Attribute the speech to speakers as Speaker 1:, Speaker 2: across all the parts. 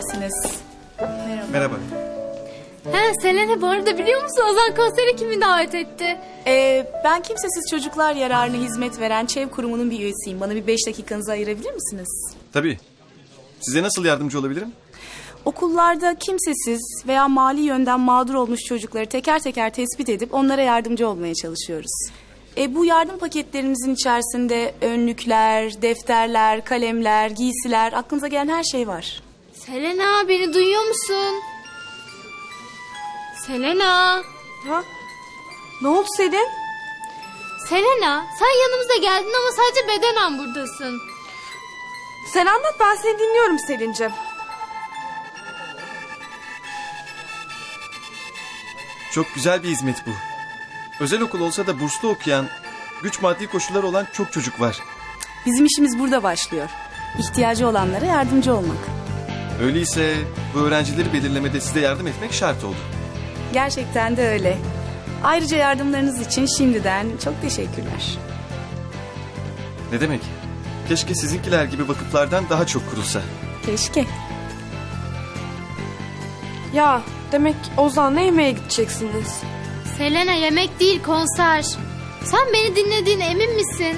Speaker 1: affedersiniz. Merhaba.
Speaker 2: Merhaba.
Speaker 3: He Selena, bu arada biliyor musun Ozan konsere kimi davet etti?
Speaker 1: Ben kimsesiz çocuklar yararına hizmet veren ÇEV kurumunun bir üyesiyim. Bana bir 5 dakikanızı ayırabilir misiniz?
Speaker 2: Tabii. Size nasıl yardımcı olabilirim?
Speaker 1: Okullarda kimsesiz veya mali yönden mağdur olmuş çocukları teker teker tespit edip onlara yardımcı olmaya çalışıyoruz. Bu yardım paketlerimizin içerisinde önlükler, defterler, kalemler, giysiler, aklınıza gelen her şey var.
Speaker 3: Selena, beni duyuyor musun? Selena.
Speaker 4: Ha? Ne oldu Selin?
Speaker 3: Selena, sen yanımıza geldin ama sadece bedenen buradasın.
Speaker 4: Sen anlat, ben seni dinliyorum Selin'cim.
Speaker 2: Çok güzel bir hizmet bu. Özel okul olsa da burslu okuyan, güç maddi koşulları olan çok çocuk var.
Speaker 1: Bizim işimiz burada başlıyor. İhtiyacı olanlara yardımcı olmak.
Speaker 2: Öyleyse bu öğrencileri belirlemede size yardım etmek şart oldu.
Speaker 1: Gerçekten de öyle. Ayrıca yardımlarınız için şimdiden çok teşekkürler.
Speaker 2: Ne demek? Keşke sizinkiler gibi vakıflardan daha çok kurulsa.
Speaker 1: Keşke.
Speaker 4: Ya demek Ozan'la yemeğe gideceksiniz.
Speaker 3: Selena, yemek değil, konser. Sen beni dinlediğine emin misin?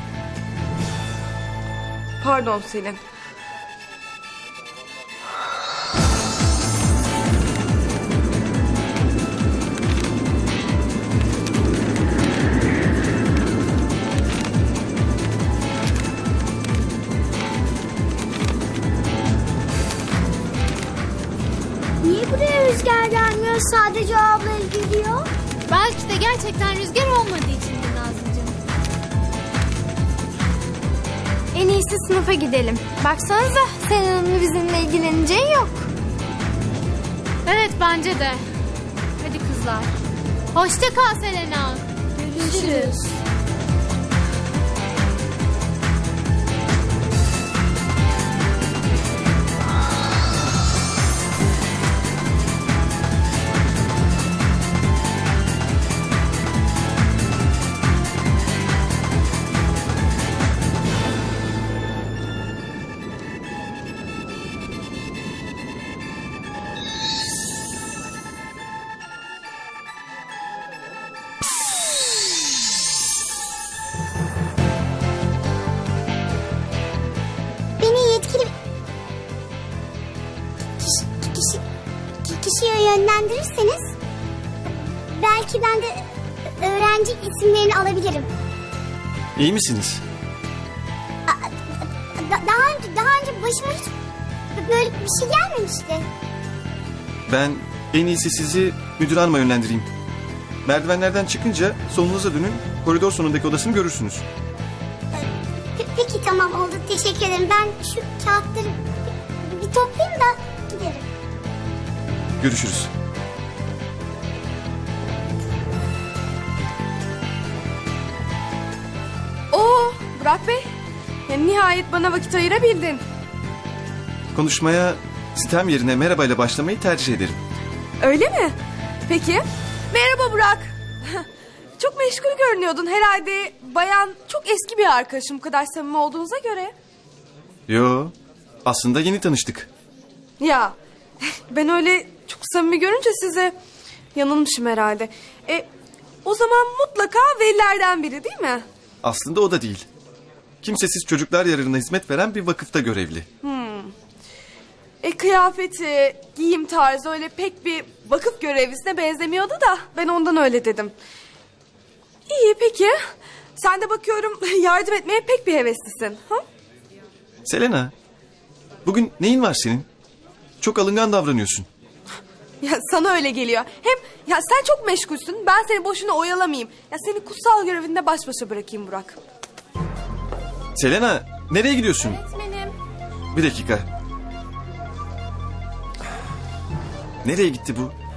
Speaker 4: Pardon Selin.
Speaker 5: Niye buraya rüzgar gelmiyor? Sadece o abla geliyor.
Speaker 3: Belki de gerçekten rüzgar olmadığı içindir Nazlıcığım.
Speaker 5: En iyisi sınıfa gidelim. Baksanıza Selena'nın bizimle ilgileneceği yok.
Speaker 3: Evet, bence de. Hadi kızlar. Hoşça kal Selena. Görüşürüz.
Speaker 5: Beni yetkili kişiye yönlendirirseniz belki ben de öğrenci isimlerini alabilirim.
Speaker 2: İyi misiniz?
Speaker 5: Daha önce başıma hiç böyle bir şey gelmemişti.
Speaker 2: Ben en iyisi sizi müdür hanıma yönlendireyim. Merdivenlerden çıkınca solunuza dönün, koridor sonundaki odasını görürsünüz.
Speaker 5: Peki tamam, oldu, teşekkür ederim. Ben şu kağıtları bir toplayayım da giderim.
Speaker 2: Görüşürüz.
Speaker 4: Oo Burak Bey. Ya, nihayet bana vakit ayırabildin.
Speaker 2: Konuşmaya sitem yerine merhabayla başlamayı tercih ederim.
Speaker 4: Öyle mi? Peki. Merhaba Burak. Çok meşgul görünüyordun herhalde. Bayan çok eski bir arkadaşım, bu kadar samimi olduğunuza göre.
Speaker 2: Yo, aslında yeni tanıştık.
Speaker 4: Ya ben öyle çok samimi görünce size yanılmışım herhalde. O zaman mutlaka velilerden biri değil mi?
Speaker 2: Aslında o da değil. Kimsesiz çocuklar yararına hizmet veren bir vakıfta görevli.
Speaker 4: Kıyafeti, giyim tarzı öyle pek bir vakıf görevlisine benzemiyordu da ben ondan öyle dedim. İyi peki. Sen de bakıyorum yardım etmeye pek bir heveslisin. Ha?
Speaker 2: Selena, bugün neyin var senin? Çok alıngan davranıyorsun.
Speaker 4: Ya sana öyle geliyor. Hem ya sen çok meşgulsün. Ben seni boşuna oyalamayayım. Ya seni kutsal görevinde baş başa bırakayım Burak.
Speaker 2: Selena, nereye gidiyorsun?
Speaker 3: Öğretmenim.
Speaker 2: Bir dakika. Nereye gitti bu?